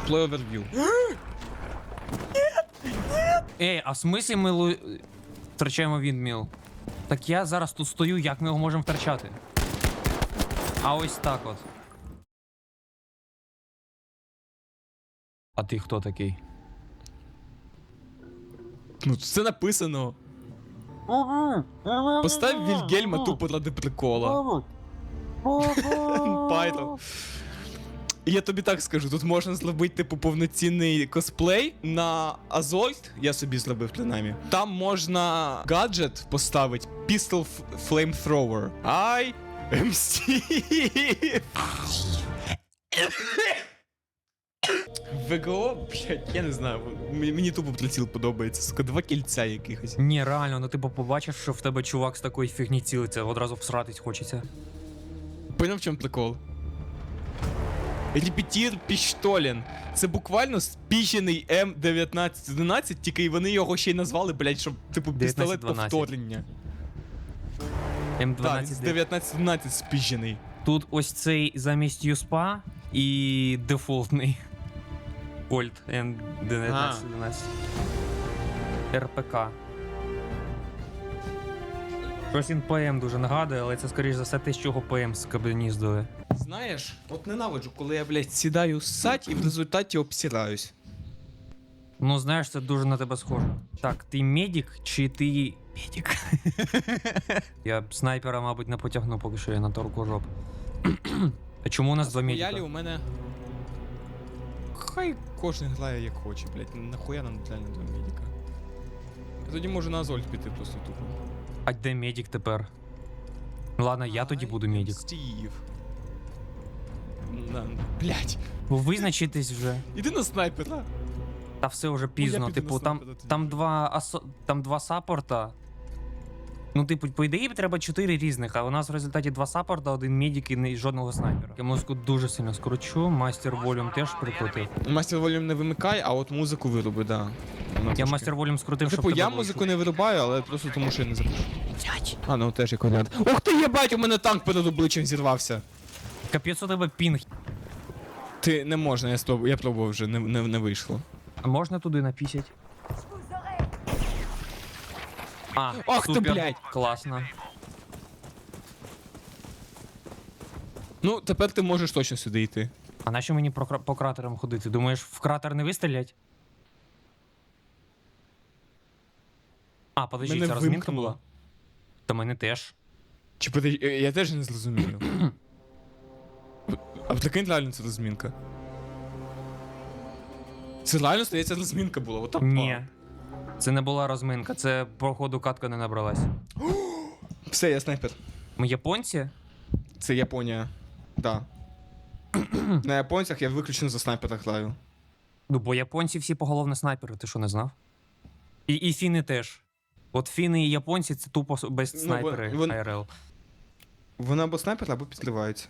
Deploy overview. Ей, а в смислі ми втрачаємо віндміл? Так я зараз тут стою, як ми його можемо втрачати? А ось так от. А ти хто такий? Ну, це написано. Постав Вільгельма тупо ради прикола. Пайро. Я тобі так скажу, тут можна зробити типу повноцінний косплей на Азольт, я собі зробив принаймні. Там можна гаджет поставити Pistol Flamethrower. I am Steve. ВГО, блядь, я не знаю, мені тупо приціл подобається, сука, 2 кільця якихось. Ні, реально, ну ти побачив, що в тебе чувак з такої фігні цілиться, одразу всратись хочеться. Поняв, в чому прикол? Репетір Піштолен. Це буквально спіщений М1911, тільки вони його ще й назвали, блядь, щоб, типу, пістолет 1912. повторення. М12. Так, він з 1911 спіщений. Тут ось цей замість юспа і дефолтний. Кольт М1911. РПК. Щось він ПМ дуже нагадує, але це скоріш за все те, з чого ПМ скабеніздує. Знаєш, от ненавиджу, коли я, блядь, сідаю ссать і в результаті обсираюсь. Ну, знаєш, це дуже на тебе схоже. Так, ти медик чи ти... Медик? Я снайпера, мабуть, не потягну, поки що я на торку жоп. А чому у нас два медика? Хуялі у мене... Хай кожен грає як хоче, блядь, нахуя нам реально 2 медика. Я тоді можу на Азольт піти просто тупо. А де медик тепер? Ну ладно, я тоді буду медик. Стів. Блядь. Ви визначитесь вже. Іди на снайпера. Та все вже пізно. піду Типу, на там, снайпера тоді. там два саппорта. Ну, типу, по ідеї треба 4 різних, а у нас в результаті 2 саппорта, 1 медик і жодного снайпера. Я музику дуже сильно скручу, мастер волюм теж прикрутив. Мастер волюм не вимикай, а от музику вироби, да. Я мастер волюм скрутив, щоб Типу, тебе я було музику чути. не вирубаю, але просто тому, що я не запишу. А, ну теж як варіант. Ух ти, єбать, у мене танк перед обличчям зірвався. Капець у тебе пінг. Ти не можна, я пробував вже, не вийшло. А можна туди напісять? А, Ах ти, супер, блядь. класно. Ну, тепер ти можеш точно сюди йти. А нащо мені по кратерам ходити? Думаєш, в кратер не вистрілять? А, подожди, Мене це розмінка вимкнуло. була? Та мене теж. Чи я теж не зрозумію. А прикинь, реально це розмінка. Це реально, здається, розмінка була, отак. Ні. Це не була розминка, це походу катка не набралась. Все, я снайпер. Ми японці? Це Японія. Да. На японцях я виключно за снайпера граю. Ну, бо японці всі поголовно снайпери, ти що не знав? І фіни теж. От фіни і японці це тупо без снайпери АРЛ. Вони або снайпер, або підриваються.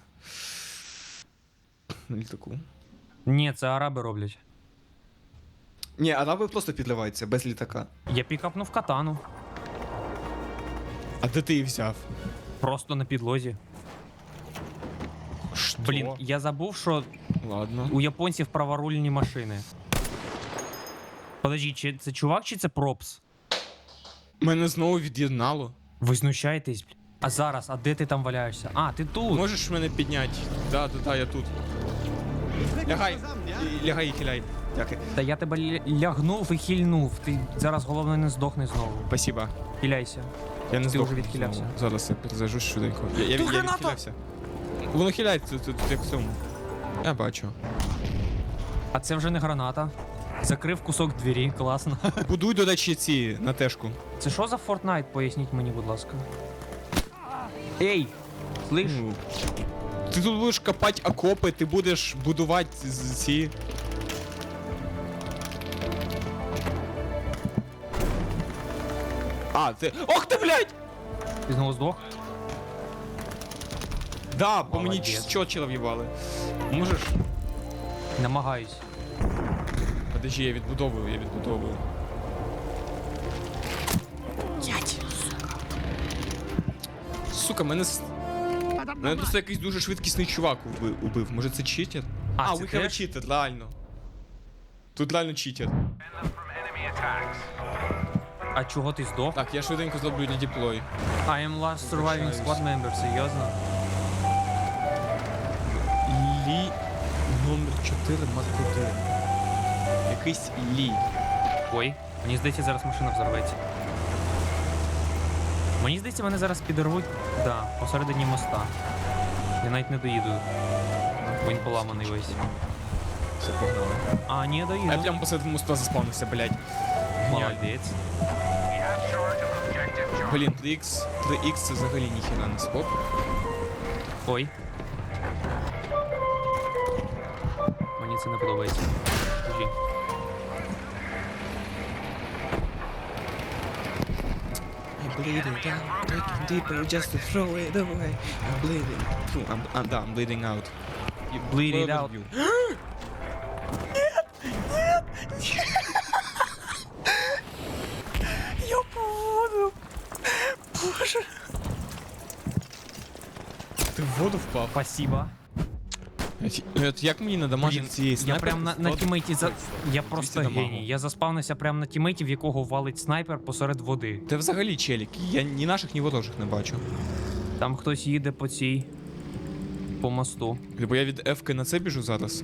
На літаку. Ні, це араби роблять. Ні, араби просто підриваються, без літака. Я пікапнув катану. А де ти її взяв? Просто на підлозі. Що? Блін, я забув, що Ладно. у японців праворульні машини. Подожди, чи це чувак, чи це пропс? Мене знову від'єднало. Ви знущаєтесь, блін. А зараз, а де ти там валяєшся? А, ти тут. Можеш мене підняти? Да, я тут. Лягай, лягай і хиляй. Дякую. Та я тебе лягнув і хильнув. Ти зараз головне не здохни знову. Спасибо. Хиляйся. Я не Ти здох вже відхилявся. знову. Зараз я перезажусь швиденько. Я Тут граната! відхилявся. Воно хиляється тут як в цьому. Я бачу. А це вже не граната. Закрив кусок двері, класно. Будуй, до речі, ці на тежку. Це що за Fortnite? Поясніть мені, будь ласка. Ей! Слиш? Ну, ти тут будеш копати окопи, ти будеш будувати ці. А, ти. Ох ти, блядь! Ти знову здох? Да, по мені Молодець. чотчера в'їбали. Можеш? Намагаюсь. Подожди, я відбудовую. Сука, мене просто якийсь дуже швидкісний чувак убив. Може це читер? А, We це have a теж? cheater, реально. Тут реально читер. А чого ти здох? Так, я швиденько зроблю дедеплой. I am last surviving squad member, серйозно? Лі номер 4 Марк 1. Якийсь Лі. Ой, мені здається, зараз машина взорветься. Мені здається, вони зараз підорвуть, да, посередині моста. Я навіть не доїду. Бо він поламаний весь. Все, погнали. А, ні, А я доїду. прямо посеред моста заспавнився, блядь. Геніально. Молодець. Блін, 3х це взагалі ніхіра не скоп. Ой. Мені це не подобається. Скажи. I'm bleeding down, taking deeper just to throw it away. I'm bleeding. Фу, I'm bleeding out. You bleed it out. Overview. Я поводу. Боже. Ти в воду впав? Спасибо. Як мені надамажити цієї Я снайперки? прям на тімейті за... Я просто 200 дамагу. геній. Я заспавнився прямо на тімейті, в якого валить снайпер посеред води. Ти взагалі челік. Я ні наших, ні ворожих не бачу. Там хтось їде по цій... по мосту. Бо я від F-ки на це біжу зараз.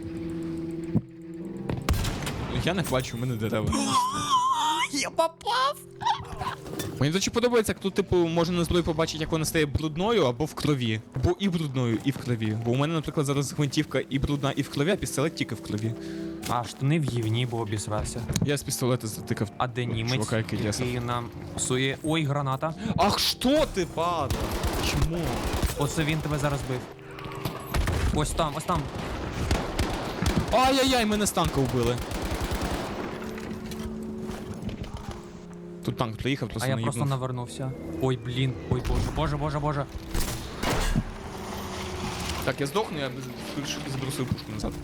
Я не бачу, у мене дерева. Я попав! Мені дуже подобається, як тут, типу, можна на зброї побачити, як вона стає брудною або в крові. Бо і брудною, і в крові. Бо у мене, наприклад, зараз гвинтівка і брудна, і в крові, а пістолет тільки в крові. А, штани в гівні, бо обісрався. Я з пістолета затикав. А де німець, Чувака, який десав. який нам псує... Ой, граната. Ах, що ти, падла? Чому? Оце він тебе зараз бив. Ось там, ось там. Ай-яй-яй, мене з танка вбили. Тут танк приїхав, просто А я наїбнув. просто навернувся. Ой, блін. Ой, боже, боже, боже, боже. Так, я здохну, я заберу свою пушку назад.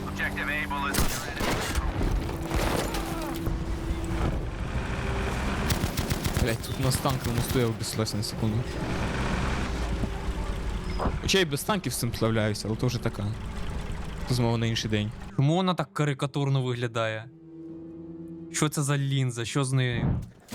Блять, тут у нас танк на мосту, я обіслався на секунду. Хоча я і без танків з цим справляюся, але то вже така. Розмова на інший день. Чому вона так карикатурно виглядає? Що це за лінза? Що з нею?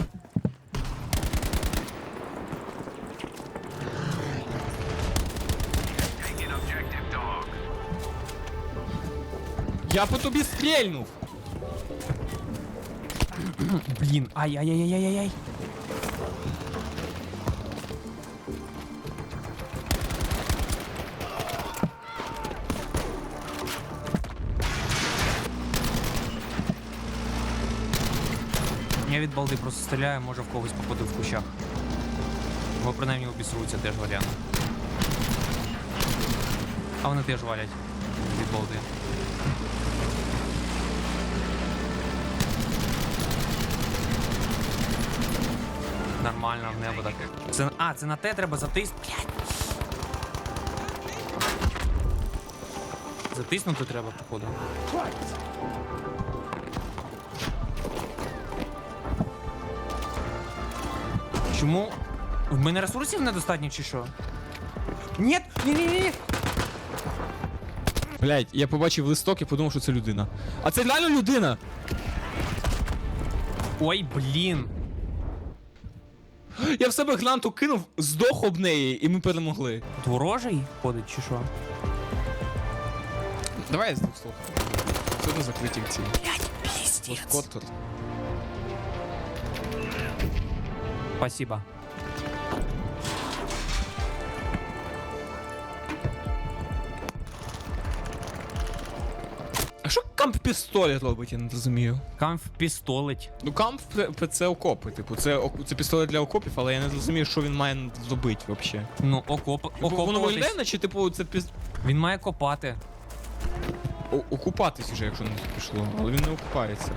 Я по тобі стрельнув! Блін, ай-яй-яй-яй-яй-яй. Я від балди просто стріляю, може в когось попаду в кущах. Бо принаймні обісруться теж варіант. А вони теж валять від балди. Нормально, в небо так. Це, це на те треба затиснути. Затиснути треба, походу. Чому? В мене ресурсів недостатньо чи що? Ні, ні. Блять, я побачив листок і подумав, що це людина. А це реально людина! Ой, блін. Я в себе гранату кинув, здох об неї, і ми перемогли. Тут ворожий ходить чи що? Давай я з двох слов. Все одно закриті ці. Блять, піздець. Коттер. Спасибо. А що камп пістолет робить, я не розумію. Камф пістолить. Ну камп це окопи, типу, це пістолет для окопів, але я не розумію, що він має зробити взагалі. Ну, Воно виглядає, окопуватись. наче, типу, це Він має копати. окупатись уже, якщо не пішло, але він не окупається.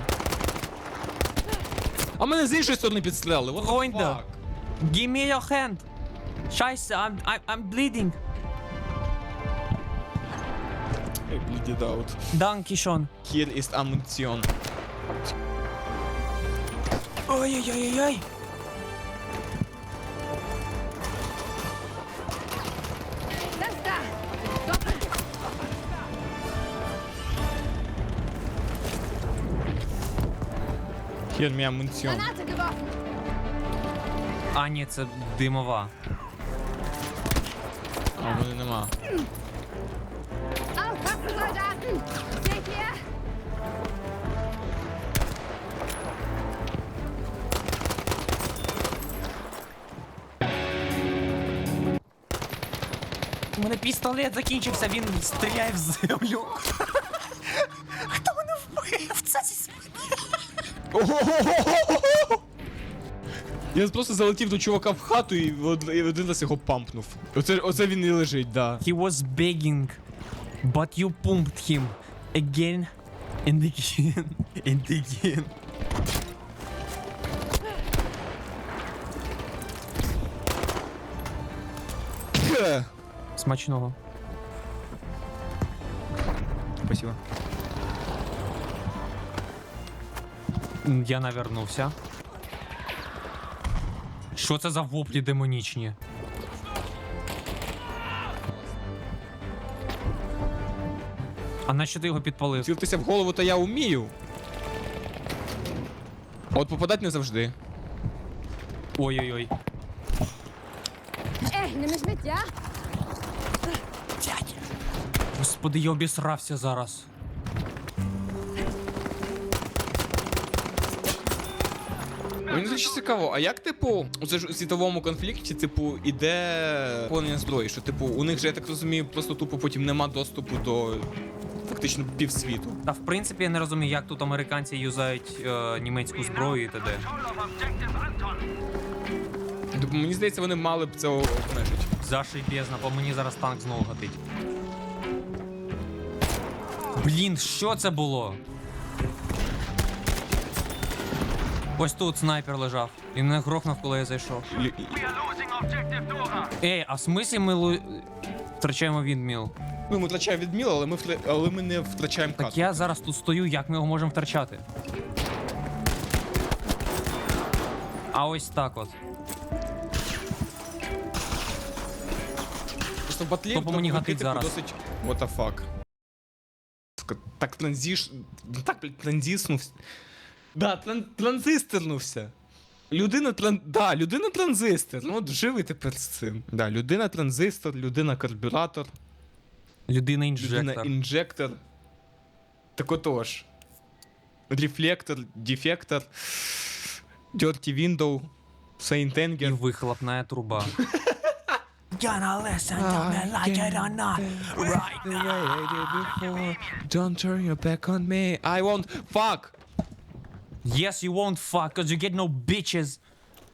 А мене з іншої сторони підстрелили, what the Ой, да. fuck? Give me your hand. Scheiße, I'm bleeding. I bleed it out. Danke schon. Here is ammunition. Ой-ой-ой-ой. Das da! Doppel! Hier mehr Munition. Granate geworfen. А, ні, це димова. А, в мене нема. Aufpassen, Soldaten. Seht ihr? У мене пістолет закінчився, він стріляє в землю. Хто мене вбив? Це зі спини. Я просто залетів до чувака в хату і один раз його пампнув. Оце він і лежить, да. He was begging, but you pumped him again and again and again. Смачного. Спасибо. Я навернувся. Що це за воплі демонічні? А нащо ти його підпалив? Цілитися в голову то я вмію. А от попадати не завжди. Ой-ой-ой. Ey, nimm mich mit, ja? Господи, я обісрався зараз. Мені дуже цікаво, а як, типу, це ж у світовому конфлікті, типу, іде поповнення зброї, що, типу, у них же, я так розумію, просто тупо потім нема доступу до фактично півсвіту. Та в принципі я не розумію, як тут американці юзають німецьку зброю і т.д. Тобто, мені здається, вони мали б це обмежити. Зашибезно, по мені зараз танк знову гатить. Блін, що це було? Ось тут снайпер лежав. Він мене грохнув, коли я зайшов. Ей, а в смислі ми втрачаємо відміл? Ну, ми втрачаємо відміл, але ми не втрачаємо Так катку. я зараз тут стою, як ми його можемо втрачати? А ось так от. Просто в батлі Хто по мені гатить зараз? досить... What the fuck. Так транзиснувся. Да, транзисторнувся. Людина транзистор. Ну от живи тепер з цим. Да, людина транзистор, людина карбюратор, Людина людина інжектор. інжектор. Так отож. Рефлектор, дефектор, dirty window, Saint І Anger. вихлопна труба. Gonna listen to me like I don't know right now. Don't turn your back on me. I won't fuck. Yes, you won't fuck, cause you get no bitches.